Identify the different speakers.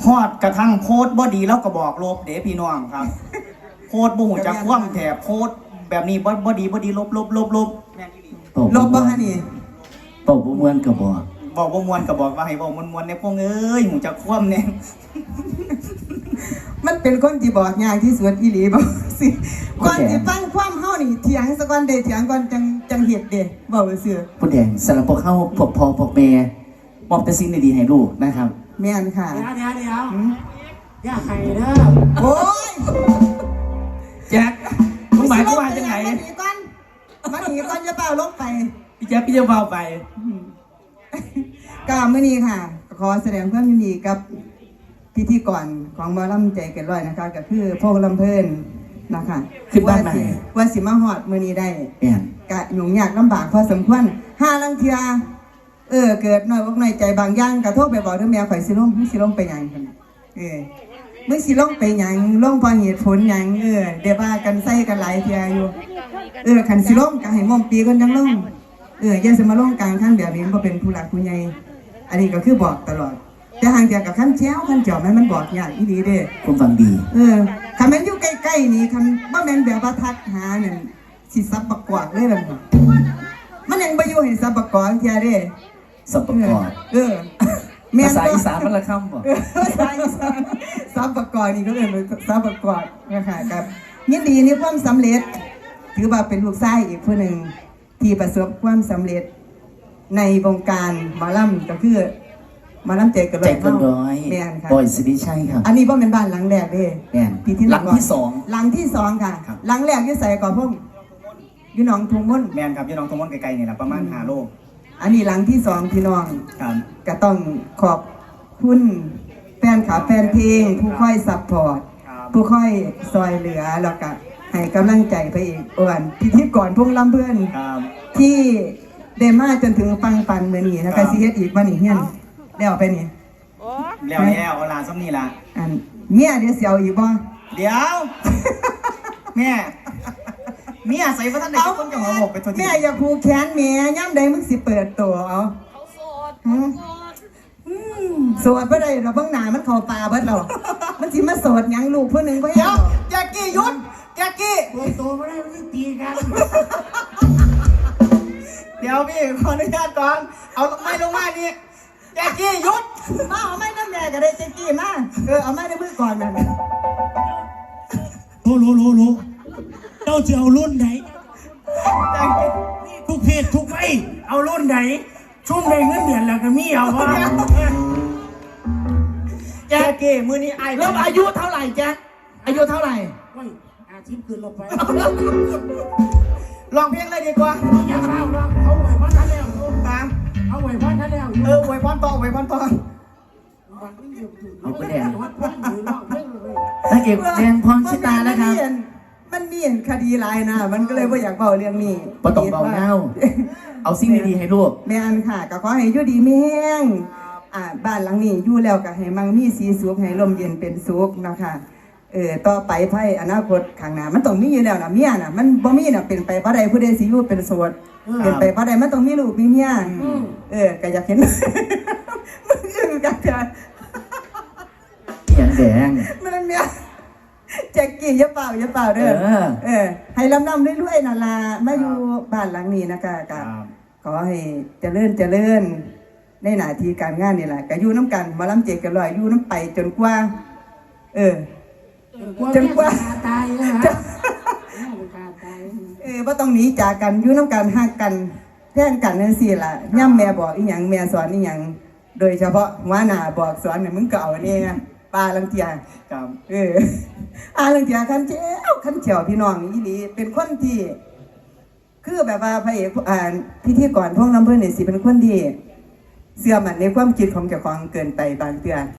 Speaker 1: ฮอดกระทั่งโพสต์บ่ดีแล้วก็บอกลบเด้พี่น้องครับโพสต์บ่หูจักคว่ำแถบโพสต์แบบนี้บ่ดีลบแม่นอีหลี
Speaker 2: ลบบ่ฮะนี่
Speaker 3: เป่าบ่ม่วนก็บอก
Speaker 1: บอกบ่มวนก็บอกว่าให้บอกมวนๆในพวกเอ้ยหูจักคว่ำเนี่ย
Speaker 2: มันเป็นคนที่บอกยากที่สุดอีหลีบ่สิก่อนสิฟังความเฮานี่เถียงซะก่อนเด้เถียงก่อนจังเฮ็ดเด้เว้าซื่อ
Speaker 3: ผู้แดงสำหรับพวกเขาพวกพ่อพวกแม่มอบแต่สิ่งดีๆให้ลูกนะครับ
Speaker 2: แม่นค่ะ
Speaker 4: เดี๋ยวอย่าให้เด้อ
Speaker 2: โอ้ย
Speaker 3: แจ็คมึงหมายความว่าจังไหน
Speaker 2: มาหนีก่อนจะเปล่าลงไป
Speaker 3: พี่แจ็คพี่จะเบาไป
Speaker 2: ก็มื้อนี้ค่ะ ขอแสดงความยินดีกับพิธีกรของหมอลำใจเกินร้อยนะคะก็คือพวกลำเพิ่นนะคะ
Speaker 3: ขึ้นบ้านใหม่
Speaker 2: ว่าสิมาฮอดมื้อนี้ได้
Speaker 3: แม่น
Speaker 2: กะยุ่งยากลำบากพอสมควรห้าลังเทือเกิดน้อยอกน้อยใจบางอย่างกระโทษไปบอกเด้อแม่ข่อยสิลงมึงสิลงไปหยังพุ่นมึงสิลงไปหยังลงเพราะเหตุผลหยังเดี๋ยวว่ากันใส่กันหลายเทื่ออยู่คันสิลงก็ให้ม่อมปีก่อนจังลงอย่าสิมาลงกลางคันแบบนี้บ่เป็นผู้หลักผู้ใหญ่อันนี้ก็คือบอกตลอดแต่ห่างจากกับคันเจ้าคันเจาะมันบอกยากอีหลีเด้
Speaker 3: คุณฟังดี
Speaker 2: คันแม่นอยู่ใกล้ๆนี่คันบ่แม่นแบบว่าทักหานั่นสิซับประกวดเลยล่ะมันยังบ่อยู่ให้ซับประกวดเทื่อเด้
Speaker 3: สับประกอบ
Speaker 2: แม่น
Speaker 3: ภาษาอีสานมันละคำบ่
Speaker 2: ภาษาอีสานซับประกอบนี่ก็เป็นซับประกอบนะคะครับยินดีในความสำเร็จถือว่าเป็นลูกชายอีกผู้หนึ่งที่ประสบความสำเร็จในวงการหมอลำก็คือหมอลำใจเกินร้
Speaker 3: ใจ
Speaker 2: อย
Speaker 3: เกินร้อย
Speaker 2: แม่นค่ะ
Speaker 3: บอยสิริชัยครับ
Speaker 2: อันนี้บ่เป็นบ้านหลังแรกเด้
Speaker 3: แม่น หลังที่สอง
Speaker 2: หลังที่สองค่ะ
Speaker 3: ครับ
Speaker 2: หลังแรกอยู่ใส่ก่อนพุ่มอยู่หนองทุ่งมุ่น
Speaker 1: แม่นครับพี่น้องทั้งหมดไกลๆนี่แหละประมาณ5 โล
Speaker 2: อันนี้หลังที่สองพี่น้อง
Speaker 1: ครับ
Speaker 2: ก็ต้องขอบคุณแฟนขาแฟนเพลง ผู้ค่อยซัพพอร์ต
Speaker 1: ครับ
Speaker 2: ผู้ค่อยซอยเหลือแล้วก็ให้กำลังใจไปอีกอ้วนพิธีกรพวกลำเพื่อน
Speaker 1: ครับ
Speaker 2: ที่ได้มาจนถึงปังปันเมื่อนี้นะคะสิเฮ็ดอีกวันนี้เฮียนแล้วไปนี่
Speaker 1: แล้วเอาลาซ้ำนี่ล่ะ
Speaker 2: อันเมียเดี๋ยวเสียวอีกบ่
Speaker 1: เดี๋ยว แม่เมียใส่พระท่านได้คนกับหัวหมกไปทันที
Speaker 2: แม่อย่าผูกแขนแม่ย่ำใดมึงสิเปิดตัวเอาโสดบ่ได้เราเบิ่งหน้ามันเข้าตาเบิดแล้วมันสิมาโสดหยังลูกผู้หนึงบ่
Speaker 1: เดี๋
Speaker 2: ยั
Speaker 1: ยว
Speaker 2: ง
Speaker 1: แจ็คกี้หยุดแจ็คกี้
Speaker 4: เปิดตัวไม่ได้ไม่ตีกัน
Speaker 1: เดี๋ยวพี่ขออนุญาตก่อนเอาไม้ลงมานี่แจ็คกี้หยุด
Speaker 2: มาเอาไม้น้ำแม่ก็ได้เจ๊กี้มาเอาไม้ในมือก่อนนั่นน่ะ
Speaker 4: รู้เจ้าจะเอารุ่นไหน
Speaker 1: แจ็คกี้
Speaker 4: ทุกเพศทุกไปเอารุ่นไหนชุ่มในเงินเดือนแล้วก็มีเอาวะ
Speaker 1: แจ็คกี้มือนี้ไอ้
Speaker 3: แล้วอายุเท่าไหร่แจ็คอายุเท่าไหร่
Speaker 4: เฮ้ยอาชีพคืนลงไป
Speaker 1: ลองเพลงเลยดีกว่า
Speaker 4: อย่าเข้าหรอกเขาไหวพันท่านแล้ว
Speaker 1: ตาม
Speaker 4: เขาไหวพันท่านแล้ว
Speaker 1: อวยพรต่ออวยพรต่อ
Speaker 3: เอาไปแดง
Speaker 4: วัดพันหรือรอบเพื่อนเลย
Speaker 3: นางเอกแดงพรชิตานะครับ
Speaker 2: มันมีคดีหลายนะมันก็เลยบ่อยากเบาเรื่องนี้
Speaker 3: บ่ต้องเบาเน่าเอาสิ่งดีๆให้ลูก
Speaker 2: แม่นค่ะก็ขอให้อยู่ดีมีแห้งบ้านหลังนี้อยู่แล้วก็ให้มั่งมีสีสุขให้ลมเย็นเป็นสุขนะคะต่อไปไพ่อนาคตข้างหน้ามันต้องมีอยู่แล้วนะเมียน่ะมันบ่มีน่ะเป็นไปบ่ได้ผู้ใดสิอยู่เป็นโสดเป็นไปบ่ได้มันต้องมีลูกมีเมียก็อยากเห็น มันคือกันจ้ะ
Speaker 3: อย่างแดง
Speaker 2: มันเมียแจ็คกี้อย่าเปล่าเด้อให้ลำนำเรื่อยๆนั่นล่ะมาอยู่บ้านหลังนี้นะคะก็ขอให้เจริญในหน้าที่การงานนี่แหละก็อยู่น้ำกันมาล้ำเจกันลอยอยู่น้ำไปจนกว่าจนกว่า
Speaker 4: ตายนะฮะตาย
Speaker 2: ว่าต้องหนีจากกันอยู่น้ำกันหักกันแท่งกันนั่นสิล่ะย่ำแม่บอกอีหยังแม่สอนอีหยังโดยเฉพาะหัวหน้าบอกสอนเนี่ยมึงก็เอานี่ไงปลาลังเทีย
Speaker 1: ครับ
Speaker 2: ลังเทียคันเจียวพี่น้องอีหลีเป็นคนที่คือแบบว่าพระเอกพิธีกรพวกน้ำเพื่อนเนี่ยสิเป็นคนที่เสื่อมันในความคิดของเจ้าของเกินไปบางเตือน